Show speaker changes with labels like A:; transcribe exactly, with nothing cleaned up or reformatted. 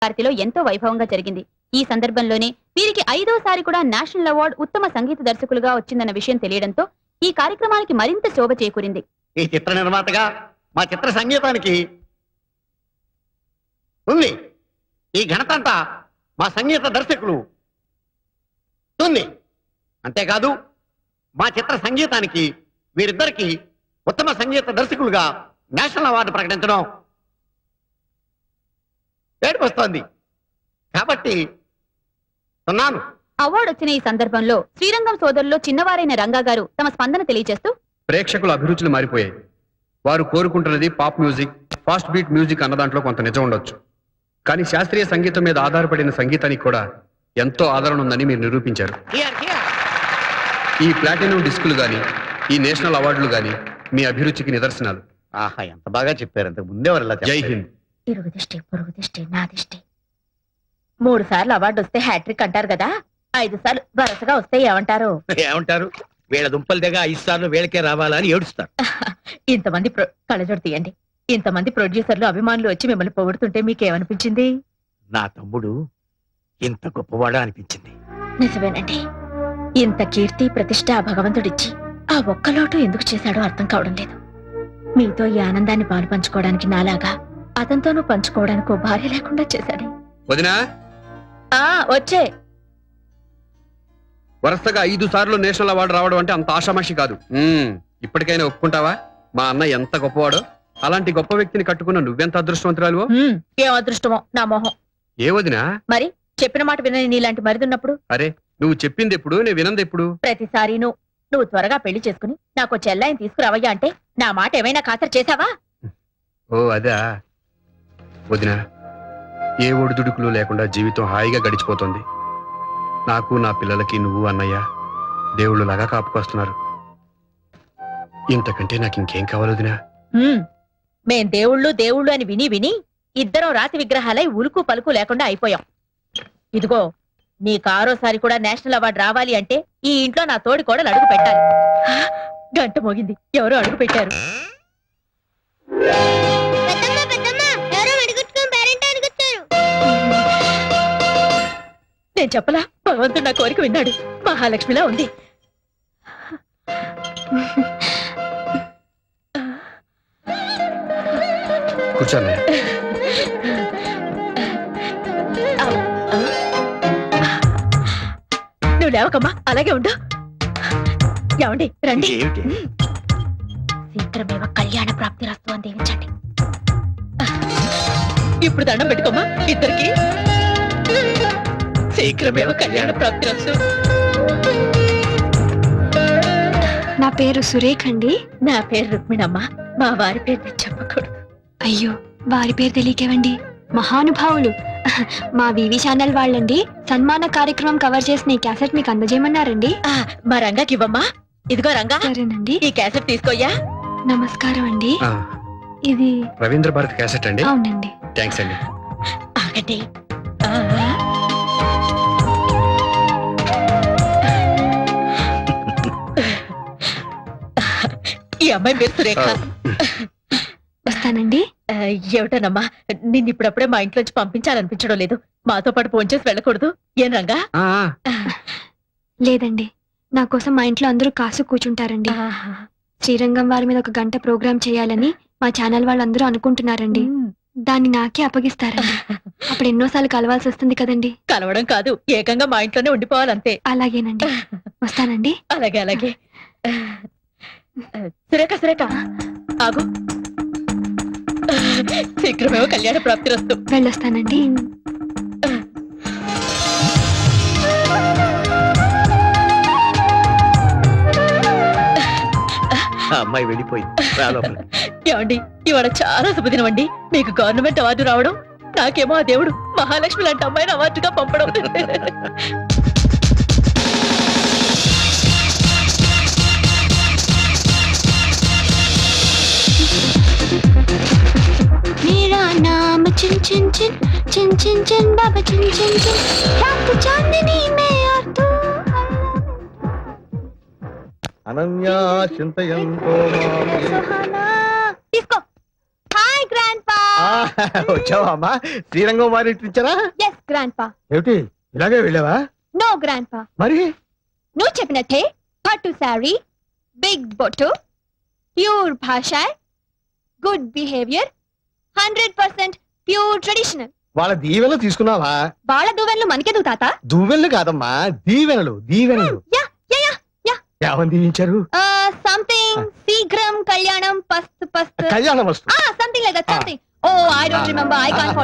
A: భారతిలో ఎంతో వైభవంగా జరిగింది. ఈ సందర్భంలోనే వీరికి ఐదోసారి కూడా నేషనల్ అవార్డు ఉత్తమ సంగీత దర్శకులుగా వచ్చిందన్న విషయం తెలియడంతో ఈ కార్యక్రమానికి మరింత శోభ చేకూరింది.
B: ఈ చిత్ర నిర్మాతగా మా చిత్ర సంగీతానికి ఉంది. ఈ ఘనత అంతా మా సంగీత దర్శకులు ఉంది. అంతేకాదు మా చిత్ర సంగీతానికి వీరిద్దరికి ఉత్తమ సంగీత దర్శకులుగా నేషనల్ అవార్డు ప్రకటించడం ఏడుపు వస్తోంది. కాబట్టి ఉన్నాను.
A: అవార్డు వచ్చిన ఈ సందర్భంలో శ్రీరంగం సోదరుల్లో చిన్నవారైన రంగా గారు తమ స్పందన తెలియజేస్తూ,
C: ప్రేక్షకుల అభిరుచులు మారిపోయాయి. వారు కోరుకుంటున్నది pop music, fast beat music అన్న దాంట్లో కొంత నిజం ఉండొచ్చు. కానీ శాస్త్రీయ సంగీతం మీద ఆధారపడిన సంగీతానికి కూడా ఎంతో ఆదరణ ఉందని మీరు నిరూపించారు. ఈ ప్లాటినం డిస్కులు గాని, ఈ నేషనల్ అవార్డులు గాని మీ అభిరుచికి నిదర్శనాలు.
B: ఆహా, ఎంత బాగా చెప్పారు. అంతకు ముందే వారు.
C: జై హింద్.
D: ఇరుగు దిష్టి, పొరుగు దిష్టి, నా దిష్టి. మూడు సార్లు అవార్డు వస్తే హ్యాట్రిక్ అంటారు కదా, ఐదు సార్లు వరుసగా వస్తే ఏమంటారు?
B: ఏమంటారు? వీళ్ళ దుంపల దగ్గర ఐదు సార్లు వీళ్ళకే రావాలని ఏడుస్తారు.
D: ఇంతమంది కళ్ళజోడు తీయండి. ఇంతమంది ప్రొడ్యూసర్లు, అభిమానులు వచ్చి మిమ్మల్ని పొగుడుతుంటే మీకేమనిపించింది?
B: నా తమ్ముడు ఇంత గొప్పవాడా అనిపించింది.
D: నిజమేనండి. ఇంత కీర్తి ప్రతిష్ట ఆ భగవంతుడిచ్చి ఆ ఒక్క లోటు ఎందుకు చేశాడో అర్థం కావడం లేదు. మీతో ఈ ఆనందాన్ని పాలు పంచుకోవడానికి నాలాగా అతనితోనూ పంచుకోవడానికి ఓ భార్య లేకుండా చేశాడు.
C: వదినా,
D: ఆ వచ్చే
C: వరుసగా ఐదు సార్లు నేషనల్ అవార్డు రావడం అంటే అంత ఆషామాషి కాదు. ఇప్పటికైనా ఒప్పుకుంటావా మా అన్న ఎంత గొప్పవాడో? అలాంటి గొప్ప వ్యక్తిని కట్టుకున్న నువ్వెంత అదృష్టవంతురాలువో.
D: ఏం అదృష్టమో నా మొహం.
C: ఏ వదినా?
D: మరి చెప్పిన మాట వినని నీలాంటి మరిదున్నప్పుడు?
C: అరే, నువ్వు చెప్పింది ఎప్పుడు, నేను వినంది ఎప్పుడు?
D: ప్రతిసారి నువ్వు నువ్వు త్వరగా పెళ్లి చేసుకుని నాకు చెల్లాయిని తీసుకురావయ్యా అంటే నా మాట ఏమైనా ఖాతరు చేశావా?
C: ఓ అదా వదినా, ఏ ఒడిదుడుకులు లేకుండా జీవితం హాయిగా గడిచిపోతుంది. నాకు నా పిల్లలకి నువ్వు అన్నయ్య దేవుళ్ళు లాగా కాపుకొస్తున్నారు. ఇంతకంటే నాకు ఇంకేం కావాలి వదినా?
D: మేం దేవుళ్ళు దేవుళ్ళు అని విని విని ఇద్దరం రాతి విగ్రహాలై ఉలుకు పలుకు లేకుండా అయిపోయాం. ఇదిగో నీకు ఆరోసారి కూడా నేషనల్ అవార్డు రావాలి అంటే ఈ ఇంట్లో నా తోడి కోడలు అడుగు పెట్టాలి. గంట మోగింది, ఎవరో అడుగు పెట్టారు. నేను చెప్పలా, భగవంతుడు నా కోరిక విన్నాడు. మహాలక్ష్మిలా ఉంది.
C: కూర్చోండి.
D: నువ్వు లేవకమ్మా, అలాగే ఉండు. ఏమండి రండి. శీఘ్రమేవ కళ్యాణ ప్రాప్తి రస్తు అని దీవించండి. ఇప్పుడు దండం పెట్టుకోమ్మా ఇద్దరికి. శీఘ్రమేవ కళ్యాణ ప్రాప్తి రస్తు.
E: నా పేరు సురేఖ్ అండి.
D: నా పేరు రుక్మిణమ్మ. మా వారి పేరు నేను చెప్పకూడదు.
E: అయ్యో, వారి పేరు తెలియకేవండి. మహానుభావులు మా వివి ఛానల్ వాళ్ళండి. సన్మాన కార్యక్రమం కవర్ చేసిన ఈ క్యాసెట్ మీకు అందజేయమన్నారండి.
D: మా రంగాకి ఇవ్వమ్మా. ఇదిగో రంగా.
E: సరేనండి.
D: ఈ క్యాసెట్ తీసుకోయ్యా.
E: నమస్కారం అండి. ఇది
C: రవీంద్ర భారతి క్యాసెట్ అండి?
E: అవునండి.
C: థ్యాంక్స్ అండి.
D: ఆగండి. ఈ అమ్మాయి పేరు సురేఖ.
E: వస్తానండి.
D: ఏమిటోనమ్మా, నిన్ను ఇప్పుడప్పుడే మా ఇంట్లోంచి పంపించాలనిపించడం లేదు. మాతో పాటు ఫోన్ చేసి వెళ్ళకూడదు ఏం రంగా?
E: లేదండి, నా కోసం మా ఇంట్లో అందరూ కాసు కూర్చుంటారండి. శ్రీరంగం వారి మీద ఒక గంట ప్రోగ్రాం చేయాలని మా ఛానల్ వాళ్ళందరూ అనుకుంటున్నారండి. దాన్ని నాకే అప్పగిస్తారండి. అప్పుడు ఎన్నోసార్లు కలవాల్సి వస్తుంది కదండి.
D: కలవడం కాదు, ఏకంగా మా ఇంట్లోనే ఉండిపోవాలంతే.
E: అలాగేనండి, వస్తానండి.
D: అలాగే అలాగే. సురేఖ సురేఖ ఆగు. శీఘ్రమేమో కళ్యాణ ప్రాప్తి రస్తు.
E: వెళ్ళొస్తానండి.
B: అమ్మాయి వెళ్ళిపోయింది.
D: ఏమండి, ఇవాళ చాలా శుభదినం అండి. మీకు గవర్నమెంట్ అవార్డు రావడం, నాకేమో ఆ దేవుడు మహాలక్ష్మి లాంటి అమ్మాయిని అవార్డుగా పంపడం.
E: मेरा नाम चिन चिन चिन चिन चिन चिन बाबा चिन चिन चिन रात चांदनी में और तू
B: అనన్యా చింతయంతో
D: తీసుకో. హాయ్ గ్రాండ్ పా.
B: వచ్చావా అమ్మా శ్రీరంగం వారి ఇచ్చారా
E: ఎస్ గ్రాండ్ పా.
B: ఏమిటి ఇలాగే వెళ్ళావా
E: నో గ్రాండ్ పా,
B: మరి
E: నువ్వు చెప్పినట్టే పట్టు శారీ, బిగ్ బొట్టు, ప్యూర్ భాష, good behaviour, hundred percent pure traditional.
B: వాళ్ళ దీవెనలు తీసుకున్నావా?
E: వాళ్ళ దువ్వెనలు మనకెందుకు తాత?
B: దువ్వెనలు కాదమ్మా దీవెనలు దీవెనలు.
E: Yeah yeah yeah yeah.
B: ఏమని దీవించారు?
E: సంథింగ్ శీఘ్రం కళ్యాణం పస్తు పస్తు
B: కళ్యాణ వస్తు
E: something like that something. Oh I don't remember, I can't